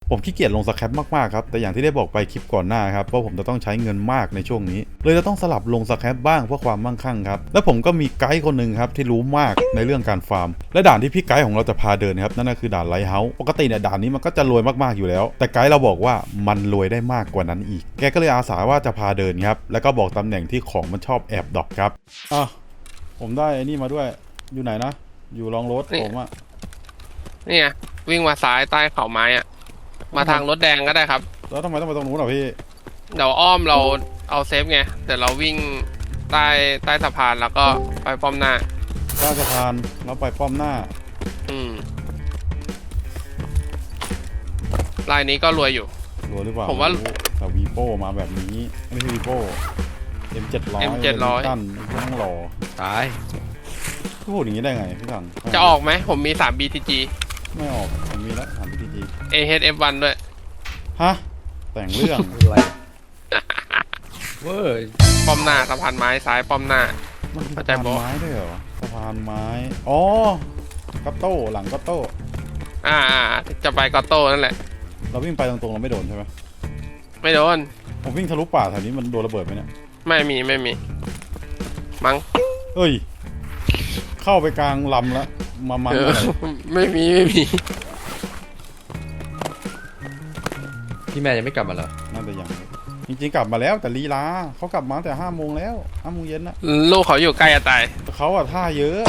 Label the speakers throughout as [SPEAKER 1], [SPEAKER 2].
[SPEAKER 1] ผมขี้เกียจลงสแครปมากๆครับแต่อย่างที่ได้บอกไปคลิปก่อนหน้าครับว่าผมจะต้องใช้เงินมากในช่วงนี้เลยจะต้องสลับลงสแครปบ้างเพื่อความมั่งคั่งครับและผมก็มีไกด์คนหนึ่งครับที่รู้มากในเรื่องการฟาร์มและด่านที่พี่ไกด์ของเราจะพาเดินครับนั่นก็คือด่านไลท์เฮาส์ปกติเนี่ยด่านนี้มันก็จะรวยมากๆอยู่แล้วแต่ไกด์เราบอกว่ามันรวยได้มากกว่านั้นอีกแกก็เลยอาสาว่าจะพาเดินครับแล้วก็บอกตำแหน่งที่ของมันชอบแอบดรอปครับผมได้ไอ้นี่มาด้วยอยู่ไหนนะอยู่ลองรถผมอะ
[SPEAKER 2] นี่ไงวิ่งมาซ้ายใต้เขาไม้อะมาทางรถแดงก็ได้ครับ
[SPEAKER 1] แล้วทำไมต้องไปตรงนู้นอ่ะพี่
[SPEAKER 2] เดี๋ยวอ้อมเราเอาเซฟไงเดี๋ยวเราวิ่งใต้สะพานแล้วก็ไปป้อมหน้า
[SPEAKER 1] ใต้สะพานแล้วไปป้อมหน้า
[SPEAKER 2] ลายนี้ก็รวยอยู่
[SPEAKER 1] รวยหรือเปล่า
[SPEAKER 2] ผมว่า
[SPEAKER 1] แต่วีโป้มาแบบนี้ไม่ใช่วีโป้ M700 ตั้นต้องรอ
[SPEAKER 2] ตาย
[SPEAKER 1] พูดอย่างนี้ได้ไงพี่ถัง
[SPEAKER 2] จะออกไหมผมมี3 BTG
[SPEAKER 1] ไม่ออกผมมีแล้ว3 BTG
[SPEAKER 2] AHF1 ด้วย
[SPEAKER 1] ฮะแต่งเรื่อง
[SPEAKER 3] อะไรเว้ย
[SPEAKER 2] ป้อมหน้าสะพานไม้ซ้ายป้อมหน้า
[SPEAKER 1] มันสะพานไม้ด้วยเหรอสะพานไม้อ๋อกัตโต้หลังกัตโต้
[SPEAKER 2] จะไปกอตโต้นั่นแหละ
[SPEAKER 1] เราวิ่งไปตรงๆเราไม่โดนใช่ไหม
[SPEAKER 2] ไม่โดน
[SPEAKER 1] ผมวิ่งทะลุป่าแถวนี้มันโดนระเบิดไหมเนี่ย
[SPEAKER 2] ไม่มีมั้ง
[SPEAKER 1] เฮ้ยเข้าไปกลางลำแล้วมัน
[SPEAKER 2] ไม่มี
[SPEAKER 3] พี่แม่ยังไม่กลับมาเหรอ
[SPEAKER 1] น่าจะยังจริงๆกลับมาแล้วแต่ลีลาเขากลับมาแต่5 โมงแล้ว5 โมงเย็นนะ
[SPEAKER 2] ลูกเขาอยู่ใกล้จะตาย
[SPEAKER 1] เขาอะท่าเยอะ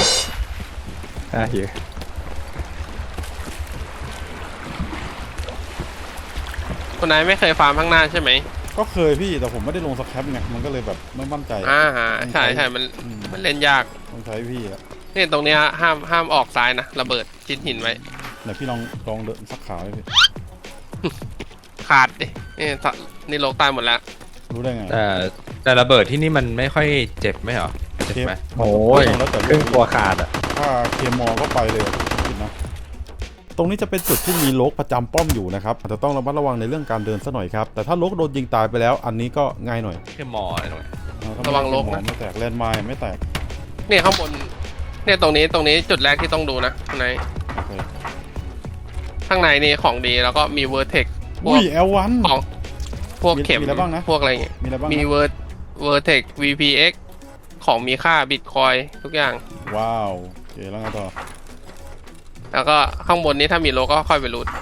[SPEAKER 2] คนไหนไม่เคยฟาร์มข้างหน้าใช่ไหม
[SPEAKER 1] ก็เคยพี่แต่ผมไม่ได้ลงสแครปไงมันก็เลยแบบไม่มั่นใจ
[SPEAKER 2] ใช่มันเล่นยาก
[SPEAKER 1] ต้องใช้พี่อะ
[SPEAKER 2] นี่ตรงนี้ห้ามออกซ้ายนะระเบิดชิ้นหินไว้
[SPEAKER 1] เดี๋ยวพี่ลองเดินสักขาเลยพี่
[SPEAKER 2] ขาดดินี่โลกตายหมดแล้ว
[SPEAKER 1] รู้ได้ไง
[SPEAKER 3] แต่ระเบิดที่นี่มันไม่ค่อยเจ็บไม่หรอเจ็บไหมโอ้ยครึ่งตัวขาดอ่ะ
[SPEAKER 1] ถ้าเคมอก็ไปเลยคิดนะตรงนี้จะเป็นจุดที่มีโลกประจำป้อมอยู่นะครับอาจจะต้องระมัดระวังในเรื่องการเดินซะหน่อยครับแต่ถ้าโลกโดนยิงตายไปแล้วอันนี้ก็ง่ายหน่อย
[SPEAKER 3] เคมออะไรหน่อย
[SPEAKER 2] ระวังโลกนะ
[SPEAKER 1] ไม่แตกแลนด์ไมน์ไม่แตก
[SPEAKER 2] เนี่ยข้างบนเนี่ยตรงนี้จุดแรกที่ต้องดูนะข้างในนี่ของดีแล้วก็มีเวอร์เทค
[SPEAKER 1] L1
[SPEAKER 2] ของพวกเข็มพวกอะไรเงี้ยมีเวอร์เทค VPX ของมีค่าบิตคอยทุกอย่าง
[SPEAKER 1] ว้าวโอเคแล้วไงต่อ
[SPEAKER 2] แล้วก็ข้างบนนี้ถ้ามีโลก็ค่อยไปรูท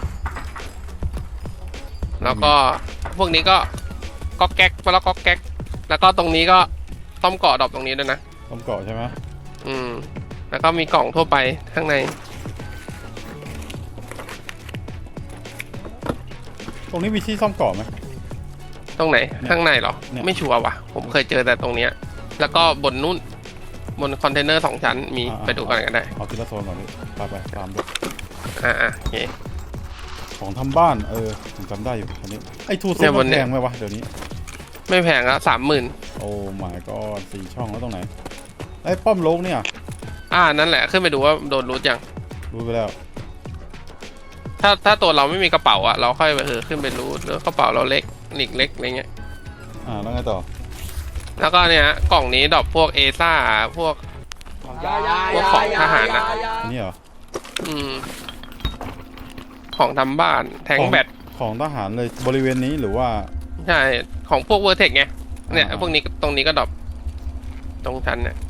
[SPEAKER 2] แล้วก็พวกนี้ก็ก๊อกแก๊กแล้วก็แก๊กแล้วก็ตรงนี้ก็ต้อมเกาะดอกตรงนี้ด้วยนะ
[SPEAKER 1] ต้อมเกาะใช่ไหม
[SPEAKER 2] แล้วก็มีกล่องทั่วไปข้างใน
[SPEAKER 1] ตรงนี้มีที่ซ่อมเกาะไหม
[SPEAKER 2] ตรงไหนข้างในเหรอไม่ชัวร์ว่ะผมเคยเจอแต่ตรงเนี้ยแล้วก็บนนู้นบนคอนเทนเนอร์2 ชั้นมีไปดูกันก็ได้
[SPEAKER 1] เอาทีละโซนก่อนดิไปตามดู
[SPEAKER 2] โอเค
[SPEAKER 1] ของทำบ้านผมจำได้อยู่อันนี้ไอ้ทูซุปแพงไหมวะเดี๋ยวนี้
[SPEAKER 2] ไม่แพงแล้ว30,000
[SPEAKER 1] โอ้หมายก็4 ช่องแล้วตรงไหนไอ้ป้อมโลกเนี่ย
[SPEAKER 2] นั่นแหละขึ้นไปดูว่าโดนรูทยัง
[SPEAKER 1] รู้ไปแล้ว
[SPEAKER 2] ถ้าตัวเราไม่มีกระเป๋าอะเราค่อยไปขึ้นไปรูทแล้วกระเป๋าเราเล็กหลีกเล็กอะไรเงี้ย
[SPEAKER 1] แล้วไงต่อ
[SPEAKER 2] แล้วก็เนี่ยกล่องนี้ดอกพวกเอซ่าพวกของทหารนะ
[SPEAKER 1] อันนี้เหรอ
[SPEAKER 2] ของทำบ้านแทงแบต
[SPEAKER 1] ของทหารเลยบริเวณนี้หรือว่า
[SPEAKER 2] ใช่ของพวกเวอร์เทคไงเนี่ยพวกนี้ตรงนี้ก็ดอกตรงชั้นเนี่ย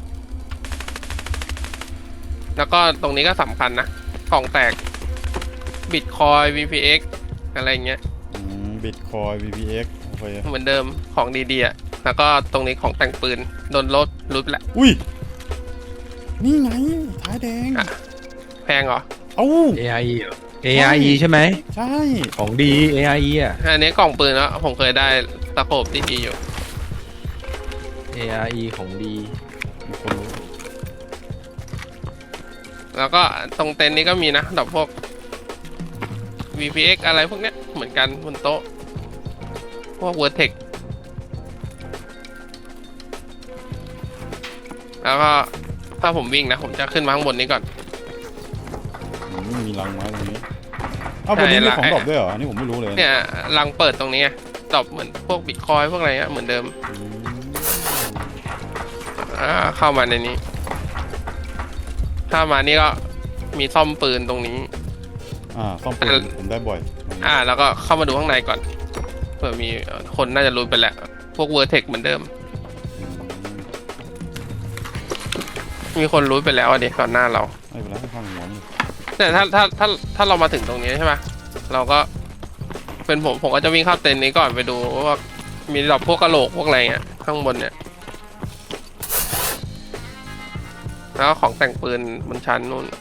[SPEAKER 2] แล้วก็ตรงนี้ก็สำคัญนะกล่องแตกบิตคอย VPX อะไรเงี้ย
[SPEAKER 1] บิตคอย VPX โอเค
[SPEAKER 2] เหมือนเดิมของดีๆอ่ะแล้วก็ตรงนี้ของแต่งปืนโดนรูทแหละ
[SPEAKER 1] อุ้ยนี่ไงท้ายแดง
[SPEAKER 2] แพงเหรอ
[SPEAKER 3] AIE AIE ใช่ไหม
[SPEAKER 1] ใช่
[SPEAKER 3] ของดี AIE อ่ะ
[SPEAKER 2] อันนี้กล่องปืนแล้วผมเคยได้ตะโขบดีๆอยู่
[SPEAKER 3] AIE ของดี
[SPEAKER 2] แล้วก็ตรงเต็นท์นี้ก็มีนะดอกพวก VPX อะไรพวกเนี้ยเหมือนกันบนโต๊ะพวก Vertex แล้วก็ถ้าผมวิ่งนะผมจะขึ้นมาข้างบนนี้ก่อน
[SPEAKER 1] มีรังไม้ตรงนี้บนนี้มีของดรอปด้วยเหรอนี่ผมไม่รู้เลย
[SPEAKER 2] เนี่ยรังเปิดตรงนี้ดรอปเหมือนพวกบิตคอยพวกอะไรเงี้ยเหมือนเดิมเข้ามาในนี้ถ้ามานี่ก็มีซ่อมปืนตรงนี้
[SPEAKER 1] ซ่อมปืนผมได้บ่อย
[SPEAKER 2] แล้วก็เข้ามาดูข้างในก่อนเผื่อมีคนน่าจะรู้ไปแล้วพวกเวอร์เทคเหมือนเดิม มีคนรู้ไปแล้วอ่ะดิก่อนหน้าเรา
[SPEAKER 1] ไม่เป็นไรให้ฟังหัวมัน
[SPEAKER 2] แต่ถ้าเรามาถึงตรงนี้ใช่ปะเราก็เป็นผมก็จะวิ่งเข้าเต็นท์นี้ก่อนไปดูว่ามีดอกพวกกระโหลกพวกอะไรเงี้ยข้างบนเนี่ยแล้วก็ของแต่งปืนบนชั้นนู่น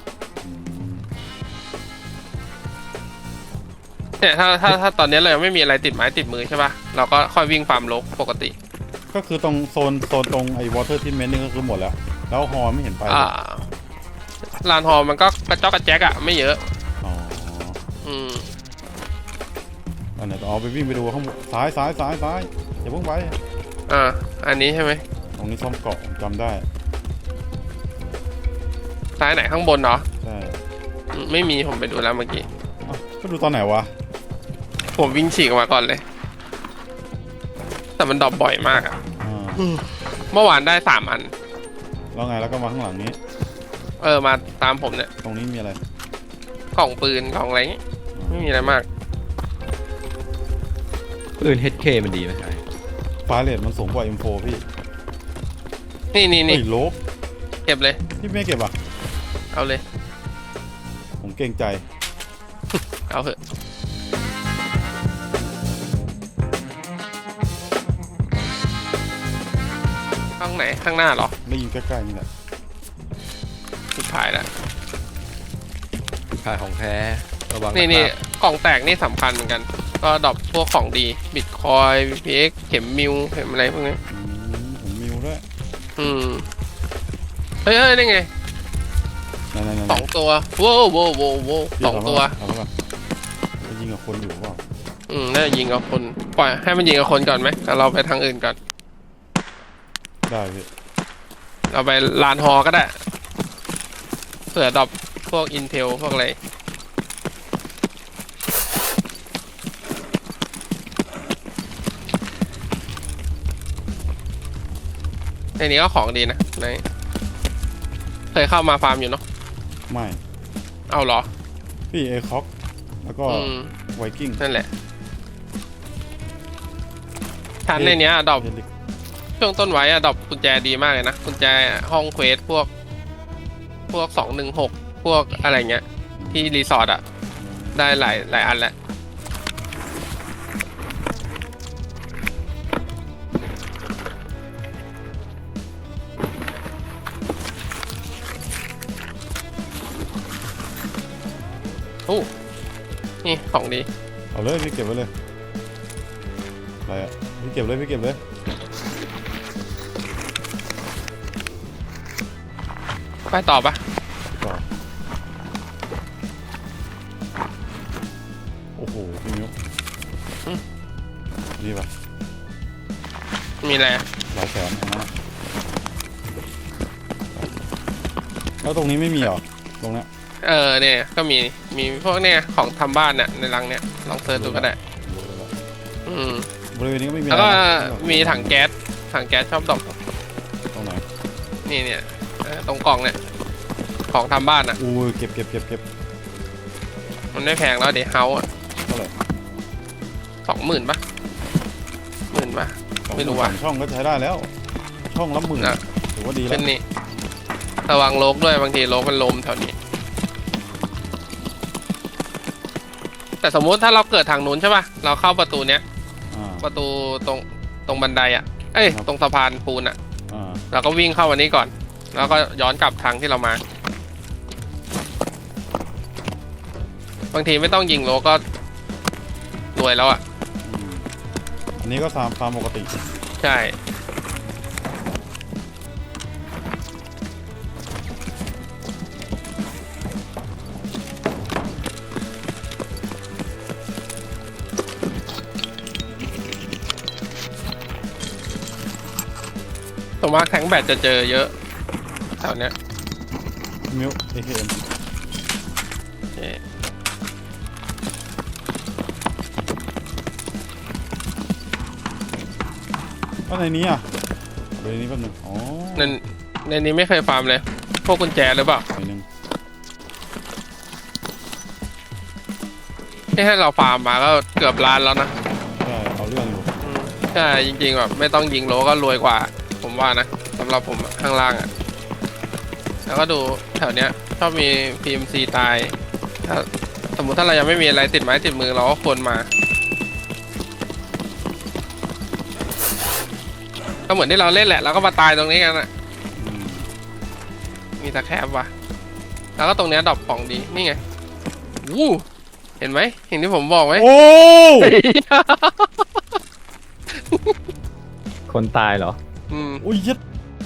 [SPEAKER 2] เนี่ยถ้าตอนนี้เรายังไม่มีอะไรติดไม้ติดมือใช่ปะเราก็ค่อยวิ่งฟาร์มรกปกติ
[SPEAKER 1] ก็คือตรงโซนตรงไอ้วอเตอร์ทิมเมนต์นี่ก็คือหมดแล้วแล้วฮอไม่เห็นไปเลย
[SPEAKER 2] ลานฮอมันก็กระจอกกระแจกอะไม่เยอะ
[SPEAKER 1] อ๋อ
[SPEAKER 2] อืม
[SPEAKER 1] อันไหนเอาไปวิ่งไปดูข้างบนซ้ายอย่าเพิ่งไป
[SPEAKER 2] อันนี้ใช่ไหม
[SPEAKER 1] ตรงนี้ซ่อมเกาะผมจำได้
[SPEAKER 2] ซ้ายไหนข้างบนเหรอ
[SPEAKER 1] ใช่
[SPEAKER 2] ไม่มีผมไปดูแล้วเมื่อกี้
[SPEAKER 1] อ้าวก็ดูตอนไหนวะ
[SPEAKER 2] ผมวิ่งฉีกออกมาก่อนเลย แต่มันดรอปบ่อยมากอะ
[SPEAKER 1] อ่า
[SPEAKER 2] เมื่อวานได้3 อัน
[SPEAKER 1] แล้วไงแล้วก็มาข้างหลังนี้
[SPEAKER 2] มาตามผมเนี่ย
[SPEAKER 1] ตรงนี้มีอะไร
[SPEAKER 2] กล่องปืนกล่องอะไรเงี้ยไม่มีอะไรมาก
[SPEAKER 3] ปืน HK มันดีไหมใช่
[SPEAKER 1] ฟ้าเรทมันสูงกว่า M4 พี่
[SPEAKER 2] นี่
[SPEAKER 1] เฮ้ยโลบ
[SPEAKER 2] เก็บเลย
[SPEAKER 1] พี่ไม่เก็บอ่ะ
[SPEAKER 2] เอาเลย
[SPEAKER 1] ผมเกรงใจ
[SPEAKER 2] เอาเถอะข้างไหนข้างหน้าเหรอ
[SPEAKER 1] ได้ยินใกล้ๆนี่แหละ
[SPEAKER 2] สุดท้ายแล้ว
[SPEAKER 3] ขายของแท้ระวัง
[SPEAKER 2] นี่
[SPEAKER 3] นะครับ
[SPEAKER 2] กล่องแตกนี่สำคัญเหมือนกัน ก็ดรอปพวกของดีบิตคอยพีเอ็กเข็มมิวเข็มอะไรพวกนี้
[SPEAKER 1] ผมมิวด้วย
[SPEAKER 2] เฮ้ยนี่ไง
[SPEAKER 1] ไหน
[SPEAKER 2] 2 ตัวโว้สองตัว
[SPEAKER 1] เอาแล้วป่ะไปยิงกับคนอยู่เปล่า
[SPEAKER 2] น่าจะยิงกับคนปล่อยให้มันยิงกับคนก่อนไหมแต่เราไปทางอื่นก่อน
[SPEAKER 1] ได้พี่
[SPEAKER 2] เราไปลานฮอก็ได้เผื่อดรอปพวกอินเทลพวกอะไรในนี้ก็ของดีนะในเคยเข้ามาฟาร์มอยู่เนาะ
[SPEAKER 1] ไม่
[SPEAKER 2] เอาเหรอ
[SPEAKER 1] พี่เอคอกแล้วก็ ไวกิ้ง
[SPEAKER 2] นั่นแหละชั้นในเนี้ยดรอป
[SPEAKER 1] เฮลิก
[SPEAKER 2] ช่วงต้นไว้อะดรอปกุญแจดีมากเลยนะกุญแจห้องเควสพวก216พวกอะไรเงี้ยที่รีสอร์ทอะได้หลายอันแหละโอ้นี่ของดี
[SPEAKER 1] เอาเลยพี่เก็บไว้เลยอะไรอ่ะพี่เก็บเลย
[SPEAKER 2] ไปต่อปะ
[SPEAKER 1] ต่อโอ้โหพี่มิ้วนี่ป่ะ
[SPEAKER 2] มีอะไร
[SPEAKER 1] หลายแสนนะแล้วตรงนี้ไม่มีเหรอตรงเนี้ย
[SPEAKER 2] เนี่ยก็มีพวกเนี่ยของทำบ้านเนี่ยในรังเนี่ยลองเซิร์ชดูก็ได้
[SPEAKER 1] บริเวณนี้ก็ไม่มี
[SPEAKER 2] แล้วก็
[SPEAKER 1] อะไรนะ
[SPEAKER 2] มีถังแก๊สชอบดอก
[SPEAKER 1] ตรงไหน
[SPEAKER 2] นี่เนี่ยตรงกล่องเนี่ยของทำบ้านอ่ะ
[SPEAKER 1] อู้ยเก็บ
[SPEAKER 2] มันไม่แพงแล้วเดี๋ยวเฮาอ่ะ
[SPEAKER 1] เท่าไหร่
[SPEAKER 2] 20,000 ปะ10,000 ปะ ไม่รู้ว่ะ
[SPEAKER 1] สองช่องก็ใช้ได้แล้ว ช่องละ10,000
[SPEAKER 2] อ่ะ
[SPEAKER 1] ถือว่าดีแล้
[SPEAKER 2] เป็
[SPEAKER 1] วน
[SPEAKER 2] นี่ระวังโลกด้วยบางทีโลกมันลมแถวนี้ แต่สมมุติถ้าเราเกิดทางนู้นใช่ป่ะเราเข้าประตูเนี้ย
[SPEAKER 1] อ่า
[SPEAKER 2] ประตูตรงบันไดอ่ะตรงสะพานปูนอ่ะ
[SPEAKER 1] อ่า
[SPEAKER 2] เราก็วิ่งเข้าวันนี้ก่อน แล้วก็ย้อนกลับทางที่เรามา บางทีไม่ต้องยิงโลก็รวยแล้วอ่ะ
[SPEAKER 1] อันนี้ก็ฟาร์มปกติ
[SPEAKER 2] ใช่ส่วนมากแทงแบตจะเจอเยอะแถวเนี้ย
[SPEAKER 1] มิว AKM ก็ในนี้อ่ะในนี้แป๊บนึงอ๋อ
[SPEAKER 2] ในนี้ไม่เคยฟาร์มเลย พวกกุญแจหรือเปล่า
[SPEAKER 1] หน่อยนึง
[SPEAKER 2] ที่ให้เราฟาร์มมาก็เกือบล้านแล้วนะ
[SPEAKER 1] ใช่เอาเรื่องอยู่
[SPEAKER 2] ใช่จริงๆแบบไม่ต้องยิงโลก็รวยกว่า ผมว่านะสำหรับผมข้างล่างอ่ะแล้วก็ดูแถวเนี้ยชอบมี PMC ตายถ้าสมมุติถ้าเรายังไม่มีอะไรติดไม้ติดมือเราก็ควรมาก็เหมือนที่เราเล่นแหละเราก็มาตายตรงนี้กันอ่ะ
[SPEAKER 1] อืม
[SPEAKER 2] มีตะแคบว่ะแล้วก็ตรงเนี้ยดรอปของดีนี่ไงวู้เห็นไหมเห็นที่ผมบอกไหม
[SPEAKER 1] โอ้
[SPEAKER 3] คนตายเหรอ
[SPEAKER 2] อืม
[SPEAKER 1] อุ้ยยัด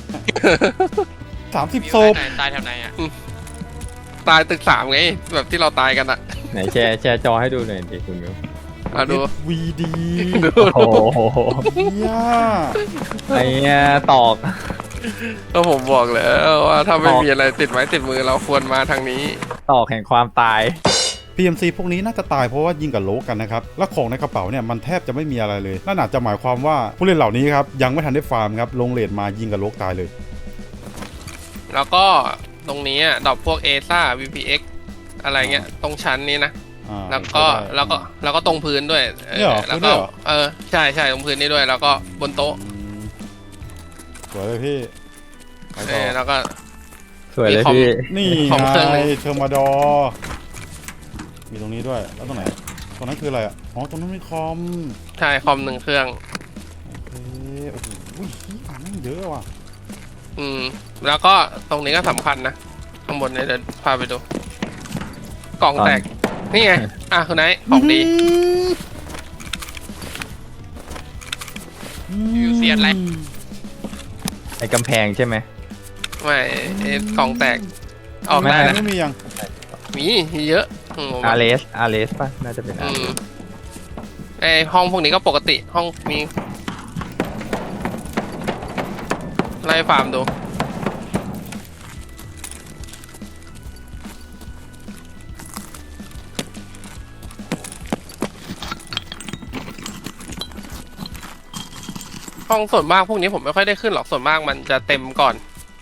[SPEAKER 1] 30 ศพ
[SPEAKER 4] ตายแถวไหนอ่ะ
[SPEAKER 2] ตายตึก3ไงแบบที่เราตายกันอ่ะ
[SPEAKER 3] ไหนแชร์จอให้ดูหน่อยดิคุณมิว
[SPEAKER 2] มาดู
[SPEAKER 1] วีดี
[SPEAKER 3] โอ้โห
[SPEAKER 1] ย่า
[SPEAKER 3] ไอ้เนี่ยตอก
[SPEAKER 2] ก็ผมบอกแล้วว่าถ้าไม่มีอะไรติดไม้ติดมือเราควรมาทางนี้
[SPEAKER 3] ตอกแห่งความตาย
[SPEAKER 1] PMC พวกนี้น่าจะตายเพราะว่ายิงกับโลกกันนะครับ และของในกระเป๋าเนี่ยมันแทบจะไม่มีอะไรเลยนั่นอาจจะหมายความว่าผู้เล่นเหล่านี้ครับยังไม่ทันได้ฟาร์มครับลงเลดมายิงกับโลกตายเลย
[SPEAKER 2] แล้วก็ตรงนี้ดรอปพวก ASA VPX อะไรเงี้ยตรงชั้นนี้นะ
[SPEAKER 1] อ่า
[SPEAKER 2] แล้วก็ตรงพื้นด้วย
[SPEAKER 1] เนี่ยเหรอ
[SPEAKER 2] แล้ว
[SPEAKER 1] พื้นด้
[SPEAKER 2] ก็
[SPEAKER 1] วยเหรอ
[SPEAKER 2] ใช่ตรงพื้นนี้ด้วย แล้วก็บนโต๊ะ
[SPEAKER 1] อืมสวยเลยพี่ไปต่อ
[SPEAKER 2] แล้วก็
[SPEAKER 3] สวยเลย
[SPEAKER 2] มีคอม
[SPEAKER 3] พี่
[SPEAKER 1] นี่
[SPEAKER 2] ของเครื่อง
[SPEAKER 1] ไง
[SPEAKER 2] หนึ่ง
[SPEAKER 1] เทอร์มาดอร์มีตรงนี้ด้วยแล้วตรงไหนตรงนั้นคืออะไรอ่ะอ๋อตรงนั้นมีคอม
[SPEAKER 2] ใช่คอม1 เครื่อง
[SPEAKER 1] โอเคโอ้โหอ่านไม่งเยอะว่ะ
[SPEAKER 2] แล้วก็ตรงนี้ก็สำคัญนะข้างบนเนี่ยเดี๋ยวพาไปดู กล่องแตกนี่ไงคุณไนท์ของดี
[SPEAKER 4] วิวเซียนอะไร
[SPEAKER 3] ไอ้กำแพงใช่ไหม
[SPEAKER 2] ไม่กล่องแตกออก
[SPEAKER 3] ไม่
[SPEAKER 2] ได้นะ
[SPEAKER 1] ไม่มียัง
[SPEAKER 2] มีเยอะผมว่า
[SPEAKER 3] อาร์เลสป่ะ น่าจะเป็นอาร์เลส
[SPEAKER 2] ไอห้องพวกนี้ก็ปกติห้องมีไล่ฟาร์มดูห้องส่วนมากพวกนี้ผมไม่ค่อยได้ขึ้นหรอกส่วนมากมันจะเต็มก่อน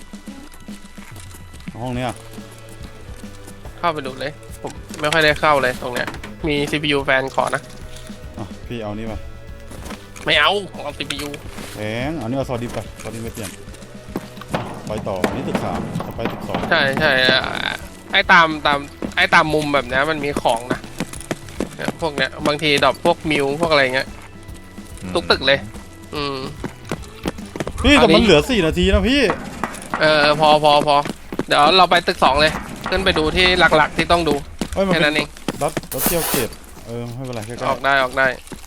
[SPEAKER 1] ห้องเนี้ย
[SPEAKER 2] เข้าไปดูเลย ผมไม่ค่อยได้เข้าเลยตรงเนี้ยมี CPU แฟนขอนะ
[SPEAKER 1] อ่ะพี่เอานี่ไป
[SPEAKER 2] ไม่เอาของเอา CPU
[SPEAKER 1] แพงอันนี้เอาซอดิบไปซอดิบไม่เปลี่ยนอ่ะไปต่ออันนี้ตึก3ต่อไปตึก2
[SPEAKER 2] ใช่ไอ้ตามมุมแบบเนี้ยมันมีของนะเนี่ยพวกเนี้ยบางทีดรอปพวกมิวพวกอะไรเงี้ยทุกตึกเลย
[SPEAKER 1] พี่แต่
[SPEAKER 2] อันนี้
[SPEAKER 1] มันเหลือ4 นาทีนะพี่
[SPEAKER 2] พอเดี๋ยวเราไปตึก2เลยขึ้นไปดูที่หลักๆที่ต้องดู
[SPEAKER 1] เอ้ยมัน
[SPEAKER 2] แค่
[SPEAKER 1] เป็
[SPEAKER 2] นั้น นเอง
[SPEAKER 1] รถเที่ยวเกตไม่เป็นไรใกล้
[SPEAKER 2] ออกได้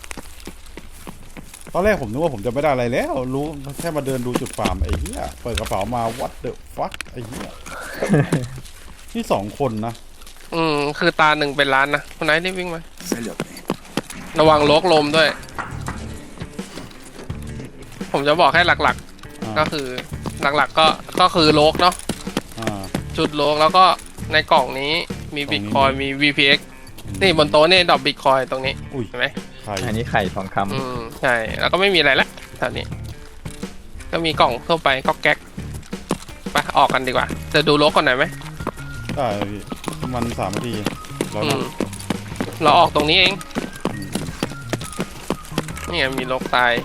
[SPEAKER 1] ๆตอนแรกผมนึกว่าผมจะไม่ได้อะไรแล้วรู้แค่มาเดินดูจุดฟาร์มไอ้เหี้ยเปิดกระเป๋ามา what the fuck ไอ้เหี้ย นี่2 คนนะ
[SPEAKER 2] คือตาหนึ่งเป็นล้านนะคนไหนรีบวิ่งมาระวังโลกลมด้วย ผมจะบอกให้หลักๆ ก็คือหลักๆก็คือโลกเนาะ
[SPEAKER 1] อ่า
[SPEAKER 2] จุดโลกแล้วก็ในกล่องนี้มี
[SPEAKER 1] กล่องนี้
[SPEAKER 2] บิตคอยมี VPX นี่บนโต๊ะนี่ดรอปบิตคอยตรงนี้
[SPEAKER 1] อุ้ย
[SPEAKER 2] เห็นไหม
[SPEAKER 1] ใคร
[SPEAKER 3] อันนี้ไข่ทองค
[SPEAKER 2] ใช่แล้วก็ไม่มีอะไรละแถวนี้ก็มีกล่องทั่วไปก็แก๊กไปออกกันดีกว่าจะดูโลกก่อนหน่อยไหม
[SPEAKER 1] ได้พี่มัน3 นาทีร้อย
[SPEAKER 2] อื
[SPEAKER 1] นัด
[SPEAKER 2] มเราออกตรงนี้เองนี่ไงมีโลกตาย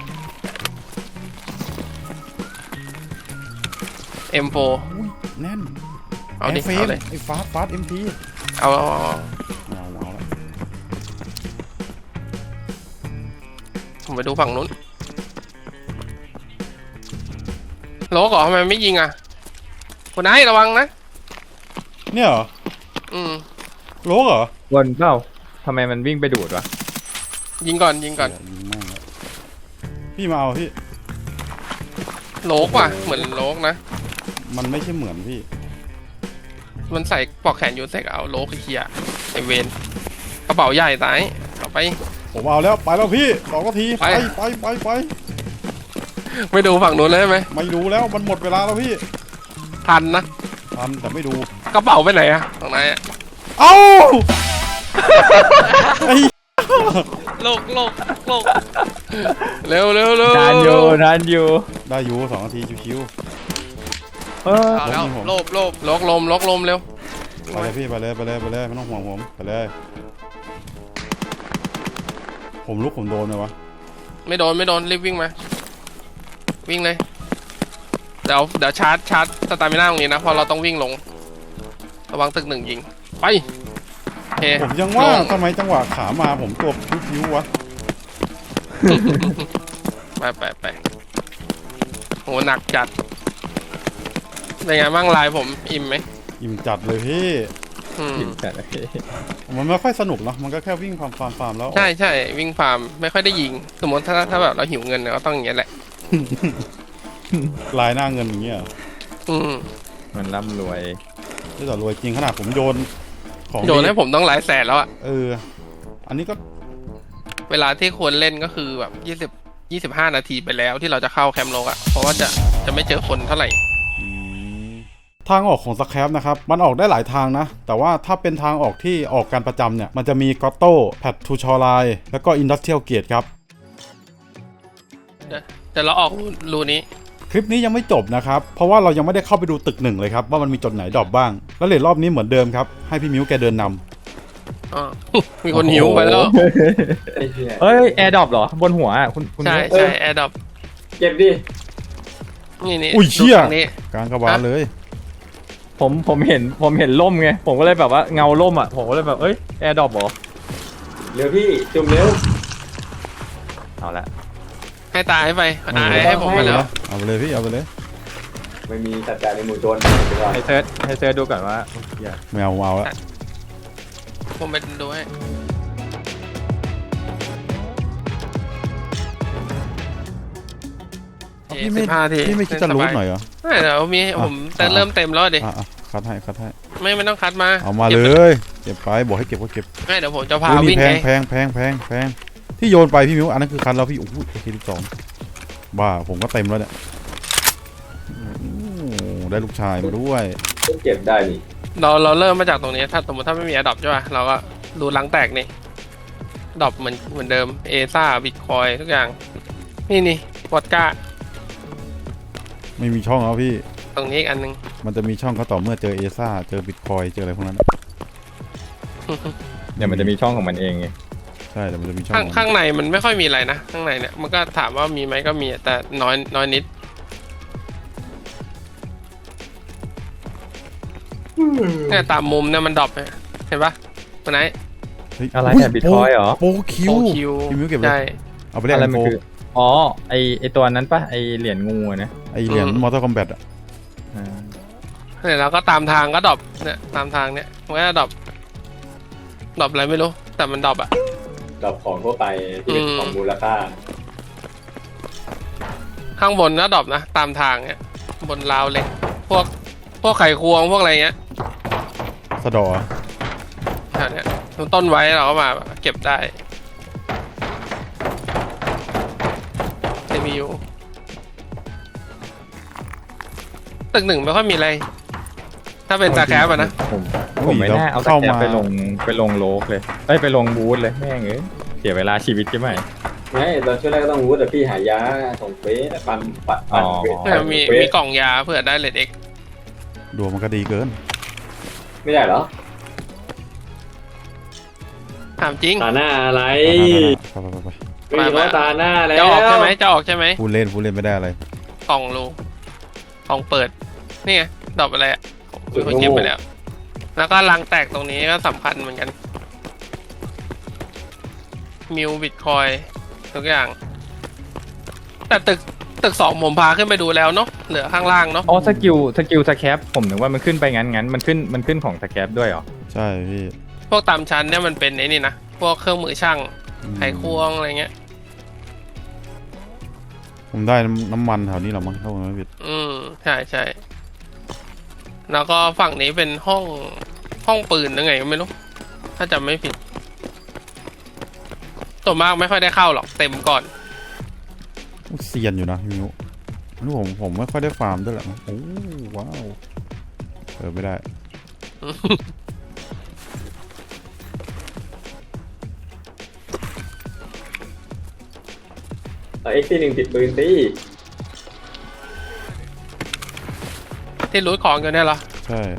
[SPEAKER 2] M4
[SPEAKER 1] อุ้ยแน่น
[SPEAKER 2] เอาดิ
[SPEAKER 1] แฟ
[SPEAKER 2] เอาเลย
[SPEAKER 1] ไอ้ฟาสเอ็มพี
[SPEAKER 2] เอา
[SPEAKER 1] เอาแล้ว
[SPEAKER 2] ผมไปดูฝั่งนู้นโลกเหรอทำไมไม่ยิงอ่ะคุณนายระวังนะ
[SPEAKER 1] เนี่ยเหรอ โลกเหรอ
[SPEAKER 3] ำวนเปล่าทำไมมันวิ่งไปดูดวะ
[SPEAKER 2] ยิงก่อน
[SPEAKER 1] ยิงแม่งแล้วพี่มาเอาพี่
[SPEAKER 2] โลกว่ะเหมือนโลกนะ
[SPEAKER 1] มันไม่ใช่เหมือนพี่
[SPEAKER 2] มันใส่ปลอกแขนยูเซกเอาโลกไอ้เหี้ยไอเวนกระเป๋าใหญ่ตายเอาไป
[SPEAKER 1] ผมเอาแล้วไปแล้วพี่2 นาที
[SPEAKER 2] ไป
[SPEAKER 1] ไป
[SPEAKER 2] ไม่ดูฝั่งนู้นเลยใช่ไหม
[SPEAKER 1] ไม่ดูแล้วมันหมดเวลาแล้วพี่
[SPEAKER 2] ทันนะ
[SPEAKER 1] ทันแต่ไม่ดู
[SPEAKER 2] กระเป๋าไปไหนอะตรงไหนอะ
[SPEAKER 1] เอ้าไอ้
[SPEAKER 4] โลก
[SPEAKER 2] เร็ว
[SPEAKER 3] นานอยู่
[SPEAKER 1] ได้อยู่2 นาทีชิว
[SPEAKER 4] เอาแล้วโลบ
[SPEAKER 2] โลกลมเร็ว
[SPEAKER 1] ๆไปเลยพี่ไปเลยไม่ต้องห่วงผมไปเลยผมลุกผมโดนไหมวะ
[SPEAKER 2] ไม่โดนรีบวิ่งมาวิ่งเลยเดี๋ยวชาร์จสตามิน่าตรงนี้นะเพอเราต้องวิ่งลงระวังตึกหนึ่งยิงไปโอเค
[SPEAKER 1] ผมยังว่า
[SPEAKER 2] ลง
[SPEAKER 1] ทำไมจังหวะขามาผมตัวพิ้วๆวะ
[SPEAKER 2] ไปโหหนักจัดเป็นไงบ้างลายผมอิ่มไหม
[SPEAKER 1] อิ่มจัดเลยพี่
[SPEAKER 2] อืม
[SPEAKER 3] แต่โอเค
[SPEAKER 1] มันไม่ค่อยสนุกเนาะมันก็แค่วิ่งฟาร์มแล้ว
[SPEAKER 2] ใช่วิ่งฟาร์มไม่ค่อยได้ยิงสมมติถ้าแบบเราหิวเงินเนี่ยก็ต้องอย่างเงี้ยแหละ
[SPEAKER 1] ลายหน้าเงินอย่างเงี้ยเหรอ
[SPEAKER 2] อืม
[SPEAKER 3] มันร่ำรวย
[SPEAKER 1] ที่ต่อรวยจริงขนาดผมโยนของ
[SPEAKER 2] โยนให้ผมต้องหลายแสนแล้วอะ
[SPEAKER 1] อันนี้ก็
[SPEAKER 2] เวลาที่ควรเล่นก็คือแบบ25 นาทีไปแล้วที่เราจะเข้าแคมป์โลกอะเพราะว่าจะไม่เจอคนเท่าไหร่
[SPEAKER 1] ทางออกของสแครปนะครับมันออกได้หลายทางนะแต่ว่าถ้าเป็นทางออกที่ออกการประจำเนี่ยมันจะมีกอตโต้แพททูชอไลแล้วก็อินดัสเทรียลเกตครับ
[SPEAKER 2] แต่เราออกรูนี้
[SPEAKER 1] คลิปนี้ยังไม่จบนะครับเพราะว่าเรายังไม่ได้เข้าไปดูตึกหนึ่งเลยครับว่ามันมีจุดไหนดรอปบ้างแล้วเลทรอบนี้เหมือนเดิมครับให้พี่มิ้วแกเดินนำ
[SPEAKER 2] อ๋อ มีคนหิวไปแล้ว
[SPEAKER 3] เอ้ยแอร์ดรอปเหรอบนหัวอ่ะคุณ
[SPEAKER 2] ใช่แอร์ดรอป
[SPEAKER 5] เก็บดิ
[SPEAKER 2] นี่
[SPEAKER 1] อุ้ยเชี่ย
[SPEAKER 2] ดูทางนี้
[SPEAKER 1] กลางกระบาลเลย
[SPEAKER 3] ผมเห็นล่มไงผมก็เลยแบบว่าเงาล่มอ่ะผมก็เลยแบบเอ้ยแอร์ดรอปเหรอ
[SPEAKER 5] เร็วพี่จุ่มเร็ว
[SPEAKER 3] เอาละ
[SPEAKER 2] ให้ตายไปให้ผมไปแล้ว
[SPEAKER 1] เอาไปเลยพี่เอาไปเลย
[SPEAKER 5] ไม่มีสัจจะในหมู่โจรดีกว่า
[SPEAKER 3] ให้เซิร์ชดูก่อนว่าอย่า
[SPEAKER 1] ไม่เอาแล้ว
[SPEAKER 2] ผมไปดูให้
[SPEAKER 1] พี่ไม่
[SPEAKER 2] 15 ที
[SPEAKER 1] พี่ไม่คิดจะรูทหน่อยเหรอ
[SPEAKER 2] ไม่เดี๋ยวมีผมแต่เริ่มเต็มแล้วดิ
[SPEAKER 1] อ่ะคัดให้
[SPEAKER 2] ไม่ต้องคัดมา
[SPEAKER 1] เอามาเล
[SPEAKER 2] ก็บ
[SPEAKER 1] ยเก็บไปบอกให้เก็บก็เก็บ
[SPEAKER 2] ไม่เดี๋ยวผมจะพา
[SPEAKER 1] อุ้ย
[SPEAKER 2] วิ่
[SPEAKER 1] นี่
[SPEAKER 2] ง
[SPEAKER 1] แพ
[SPEAKER 2] ไง
[SPEAKER 1] งที่โยนไปพี่มิ้วอันนั้นคือคันแล้วพี่โอ้โหโอเค12บ้าผมก็เต็มแล้วเนี่ยโอ้ได้ลูกชายมาด้วย
[SPEAKER 5] เก็บได้นี่
[SPEAKER 2] เราเริ่มมาจากตรงนี้ถ้าสมมติถ้าไม่มีอดอปใช่ป่ะเราก็รูล้างแตกนี่ดอปเหมือนเดิมเอซ่าบิตคอยทุกอย่างนี่วอดก้า
[SPEAKER 1] ไม่มีช่องแล้วพี่
[SPEAKER 2] ตรงนี้อีกอันนึง
[SPEAKER 1] มันจะมีช่องก็ต่อเมื่อเจอเอซ่าเจอบิตคอยเจออะไรพวกนั้น
[SPEAKER 3] เดี๋ยวมันจะมีช่องของมันเองไง
[SPEAKER 1] ใช่แต่มันจะมีช่อง
[SPEAKER 2] ข้างในมันไม่ค่อยมีอะไรนะข้างในเนี่ยมันก็ถามว่ามีไหมก็มีแต่น้อยนิดเนี่ยตามมุมเนี่ยมันดรอปเห็นปะตัวไหน
[SPEAKER 1] เฮ้ย
[SPEAKER 3] อะไร
[SPEAKER 1] ย
[SPEAKER 3] เนี่ยบิตคอยเหรอ
[SPEAKER 1] โปรคิว
[SPEAKER 2] โอคิว
[SPEAKER 1] พี่มิ้วเก็บเลย
[SPEAKER 2] ใช่
[SPEAKER 1] เอาไปเล่น
[SPEAKER 3] อะไร
[SPEAKER 1] ไอ
[SPEAKER 3] มัน
[SPEAKER 1] โฟ
[SPEAKER 3] คืออ๋อไอตัวนั้นปะไอเหรียญงูอะนะ
[SPEAKER 1] ไอเหรียญมอเตอร์คอมแบทอะ
[SPEAKER 3] อ่า
[SPEAKER 2] เนี่ยเราก็ตามทางก็ดรอปเนี่ยตามทางเนี่ยมันก็ดรอปอะไรไม่รู้แต่มันดรอปอะ
[SPEAKER 5] ดอกของทั่วไปที่เป็นของมูลค่า
[SPEAKER 2] ข้างบนก็ดรอปนะตามทางเนี่ยบนราวเหล็กพวกไขควงพวกอะไรเงี้ย
[SPEAKER 1] สะดอ
[SPEAKER 2] แถวเนี้ยต้นไว้เราก็มาเก็บได้ CPU ตึกหนึ่งไม่ค่อยมีอะไร ถ้าเป็นตาแคปอะนะ
[SPEAKER 3] ผมไม่น่าเอาตะแกรงไปลงโลกเลยไปลงบูธเลยแม่งเอ้ยเสียเวลาชีวิตใช่ไหม
[SPEAKER 5] ไม่ตอนช่วงแรกก็ต้องรู้แต่พี่หายาส่งเฟสปันเฟส
[SPEAKER 2] มีกล่องยาเพื่อได้เลดเอ็ก
[SPEAKER 1] ดวงมันก็ดีเกิน
[SPEAKER 5] ไม่ได้เหรอ
[SPEAKER 2] ถามจริง
[SPEAKER 5] ตาหน้าอะไร
[SPEAKER 1] ไป
[SPEAKER 5] ไม่มีว่าตาหน้าแล้ว
[SPEAKER 2] จะออกใช่ไหมจะออกใช่ไหม
[SPEAKER 1] พูดเล่นไม่ได้อะไร
[SPEAKER 2] กล่องรูกล่องเปิด นี่ไงดรอปอะไรอ่ะผมเก็บไปแล้ว แล้วก็รังแตกตรงนี้ก็สำคัญเหมือนกัน มิวบิตคอยทุกอย่าง แต่ตึกสองผมพาขึ้นไปดูแล้วเนาะเหลือข้างล่างเนาะ
[SPEAKER 3] อ๋อสกิลสแคปผมนึกว่ามันขึ้นไปงั้นมันขึ้นของสแคปด้วยเหรอ
[SPEAKER 1] ใช่พี่
[SPEAKER 2] พวกตามชั้นเนี่ยมันเป็นไอ้นี่นะพวกเครื่องมือช่างไขควงอะไรเงี้ย
[SPEAKER 1] ผมได้น้ำมันแถวนี้หรอมั้งเข้ามาผิด
[SPEAKER 2] ใช่แล้วก็ฝั่งนี้เป็นห้องปืนยังไงก็ไม่รู้ถ้าจำไม่ผิดตัวมากไม่ค่อยได้เข้าหรอกเต็มก่อน
[SPEAKER 1] เซียนอยู่นะพี่มิ้วนี่ผมไม่ค่อยได้ฟาร์มด้วยแหละโอ้ว้าวไม่ได้
[SPEAKER 5] เอ็กซ์1ติดปืนสิ
[SPEAKER 2] ที่รูทของกันเนี่ยเหรอ
[SPEAKER 1] ใช่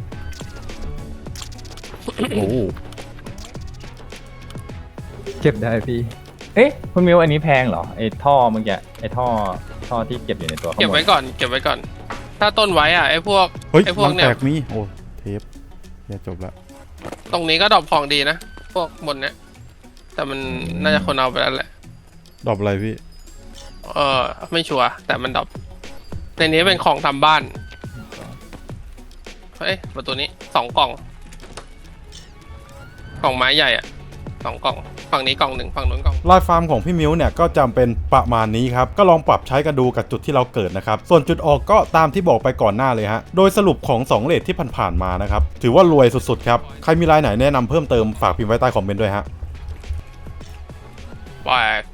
[SPEAKER 1] โอ้
[SPEAKER 3] เก็บได้พี่ฮ้ยคุณมิวอันนี้แพงเหรอไอ้ท่อเมื่อกี้ไอ้ท่อที่เก็บอยู่ในตัวข้างบน
[SPEAKER 2] เก็บไว้ก่อน ถ้าต้นไว้อะไอ้พวก
[SPEAKER 1] เฮ้ย
[SPEAKER 2] ไอ้พวก
[SPEAKER 1] มัน
[SPEAKER 2] เนี่
[SPEAKER 1] แต
[SPEAKER 2] ย
[SPEAKER 1] กมีโอ้เทปอย่าจบละ
[SPEAKER 2] ตรงนี้ก็ดรอปของดีนะ พวกบนเนี้ยแต่มันน่าจะคนเอาไปแล้วแหละ
[SPEAKER 1] ดรอปอะไรพี่
[SPEAKER 2] ไม่ชัวร์แต่มันดรอปในนี้เป็นของทำบ้านเฮ้ยประตูนี้2 กล่องกล่องไม้ใหญ่อะ2 กล่องฝั่งนี้กล่องหนึ่งฝั่งนู้นกล่อง
[SPEAKER 1] ลายฟาร์มของพี่มิวเนี่ยก็จำเป็นประมาณนี้ครับก็ลองปรับใช้กันดูกับจุดที่เราเกิดนะครับส่วนจุดออกก็ตามที่บอกไปก่อนหน้าเลยฮะโดยสรุปของ2เรทที่ผ่านๆมานะครับถือว่ารวยสุดๆครับใครมีรายไหนแนะนำเพิ่มเติมฝากพิมพ์ไว้ใต้คอมเมนต์ด้วยฮะ
[SPEAKER 2] ปล่อย